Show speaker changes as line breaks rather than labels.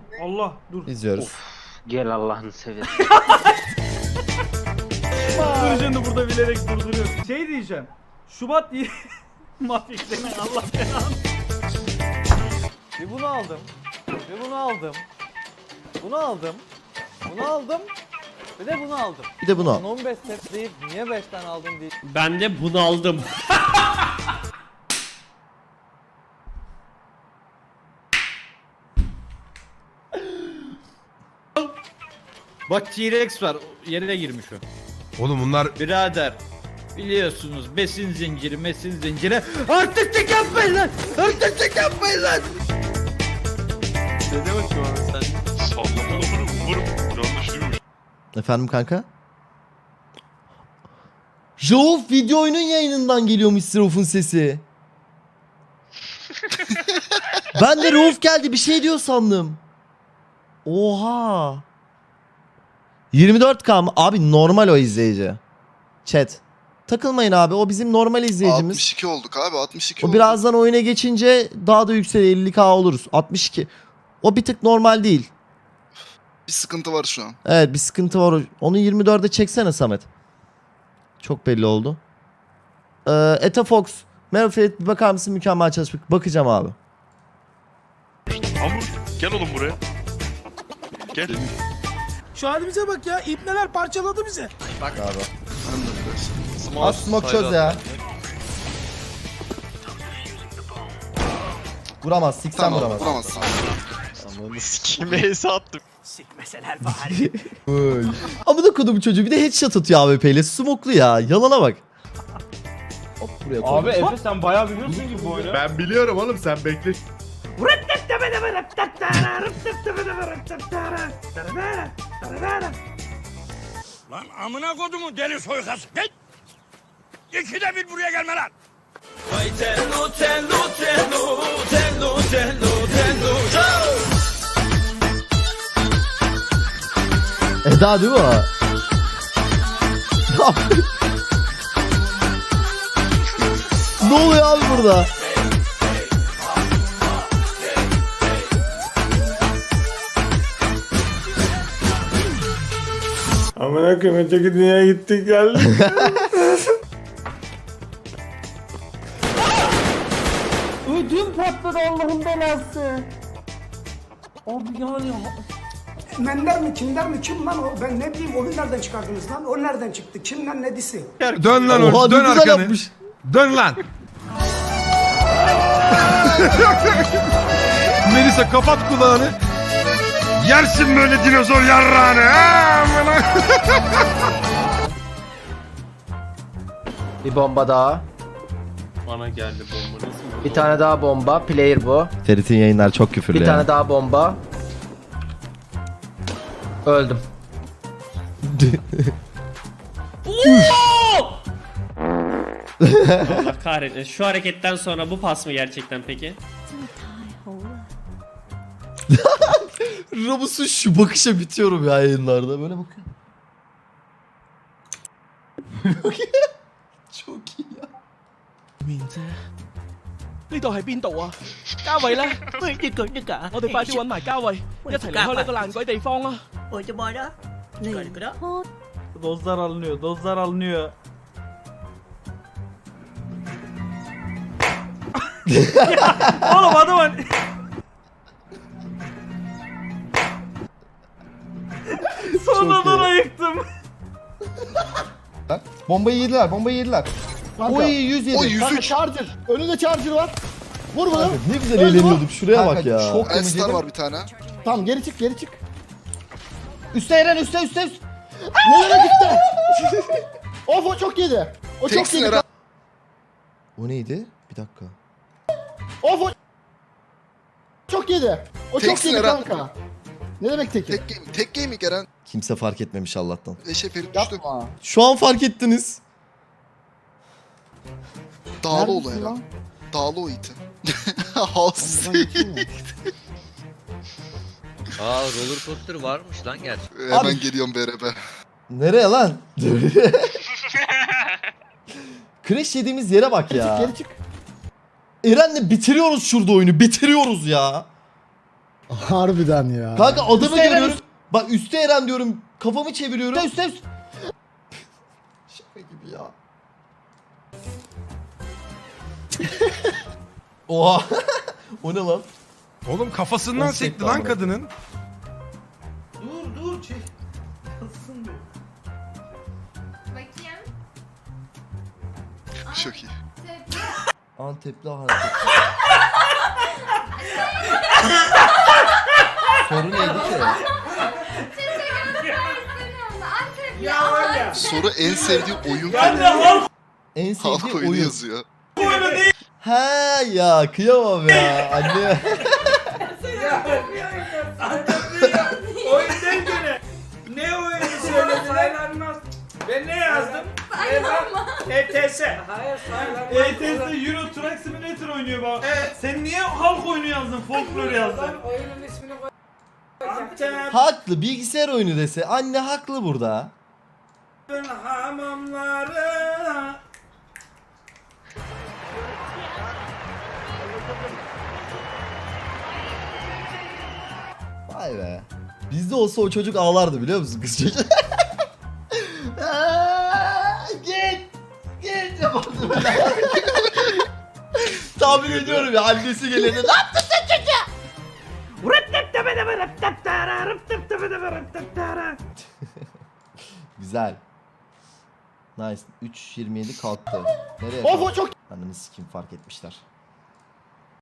Allah dur.
İzliyoruz.
Gel Allah'ını seversen.
Dur şimdi burada bilerek durduruyorum. Şey diyeceğim. Şubat Mafik seni Allah belanı.
Bir bunu aldım. Bir bunu aldım. Bunu aldım. Bunu aldım. Bir de bunu aldım.
Bir de bunu al.
15 set deyip niye 5 tane aldın diye.
Ben de bunu aldım.
Bak T-Rex var yerine girmiş o.
Oğlum bunlar
Birader biliyorsunuz besin zinciri mesin zinciri artık tek yapmayın lan artık tek yapmayın lan.
Sallamalı umarım yanlış duymuş.
Efendim kanka? Rauf video oyunun yayınından geliyormuş Rauf'un sesi. Ben de Rauf geldi bir şey diyor sandım. Oha. 24K mı? Abi normal o izleyici. Chat. Takılmayın abi o bizim normal izleyicimiz.
62 olduk abi 62
O
olduk.
birazdan oyuna geçince daha da yükselir 50K oluruz. 62. O bir tık normal değil.
Bir sıkıntı var şu an.
Evet bir sıkıntı var. Onu 24'e çeksene Samet. Çok belli oldu. Eta Fox. Merhaba Ferit bir bakar mısın mükemmel çalışmak. Bakacağım abi.
Hamur gel oğlum buraya. Gel.
Şu halimize bak ya. İbneler parçaladı bizi.
Az smoke çöz ya. Vuramaz. Siksen
Tamam
vuramaz.
vuramazsın.
Sikmeseler bari.
Ama da kodum çocuğu bir de headshot atıyor AWP ile. Smoklu ya. Yalana bak. Hop buraya koy.
Abi Efe sen bayağı biliyorsun ki bu oyunu.
ben biliyorum oğlum sen bekle.
Lan amına kodumu deli soykası. Git. İkide bir buraya gelme lan.
Eda değil mi o? Ne oluyor abi burada?
Amına koyayım öteki dünyaya gittik geldik. Ödüm patladı Allah'ın belası. Abi yani
Mender mi kimler mi kim lan o? Ben ne bileyim onu nereden çıkardınız lan? O nereden çıktı? Kimden nedisi?
Dön lan
Oha
orada
ne
dön
güzel
arkanı.
yapmış.
Dön lan. Melisa kapat kulağını. Yersin böyle dinozor yarrağını. ha?
Bir bomba daha.
Bana geldi bomba nasıl
Bir tane daha bomba. Player bu.
Ferit'in yayınlar çok küfürlü
Bir
ya.
tane daha bomba. Öldüm.
Allah kahretsin. Şu hareketten sonra bu pas mı gerçekten peki?
Ramus'un şu bakışa bitiyorum ya yayınlarda. Böyle bakıyor. Çok iyi ya.
呢度係邊度啊？嘉慧咧，一句一㗎。我哋快啲揾埋嘉慧，一齊離開呢個爛鬼地方啦！ Dozlar alınıyor, dozlar alınıyor. Oğlum adamın... Sonradan ayıktım.
Bombayı yediler, bombayı yediler. Oy 107.
O 103.
Charger. Önünde charger var. Vur bunu. Ne güzel eğleniyorduk. Şuraya bak ya. Çok
Elstar var bir tane.
Tamam geri çık, geri çık. Üste Eren, üste. Nereye gitti? Of o çok yedi. O çok
Teksin
yedi.
Eren.
O neydi? Bir dakika.
Of o çok yedi. O çok
Teksin
yedi
Eren.
kanka. Ne demek teki?
Tek gaming Eren.
Kimse fark etmemiş Allah'tan.
Eşe Ferit düştü.
Yapma.
Şu an fark ettiniz.
Dağlı ol
Neredesin
Eren.
lan?
Dağlı o iti. Has.
Buradan geçeyim mi?
Aa roller coaster varmış lan gerçekten.
Hemen
Abi.
geliyorum BRB.
Nereye lan? Crash yediğimiz yere bak ya.
Geri çık.
Eren'le bitiriyoruz şurada oyunu. Bitiriyoruz ya.
Harbiden ya.
Kanka adamı
Üste Eren,
görüyorum. Bak üstte Eren diyorum. Kafamı çeviriyorum. Üstte. Şaka gibi ya. Oha. O ne lan?
Oğlum kafasından
Onu
sekti
sekti
lan
amına.
kadının.
Dur çek.
Bakayım.
Çok iyi.
Antepli hareket. Soru neydi ki?
Ya var ya.
Soru en sevdiği oyun
En
halk
sevdiği
oyunu
oyun.
yazıyor.
Ha ya kıyamam ya anne.
Oyun değil gene. Ne oyunu söylediler? Ben ne yazdım? ETS. Hayır ETS Euro Truck Simulator oynuyor bak. Sen niye halk oyunu yazdın? Folklor yazdın.
Oyunun ismini koy.
Antep
Haklı bilgisayar oyunu dese anne haklı burada.
hamamları.
Vay be. Bizde olsa o çocuk ağlardı biliyor musun kız çocuk? Git. Git yapardı böyle. Tahmin ediyorum ya annesi gelirdi. Ne yaptın sen çocuğa? Güzel. Nice. 3.27 kalktı. Nereye
Of
kalktı?
o çok.
Ananı sikeyim fark etmişler.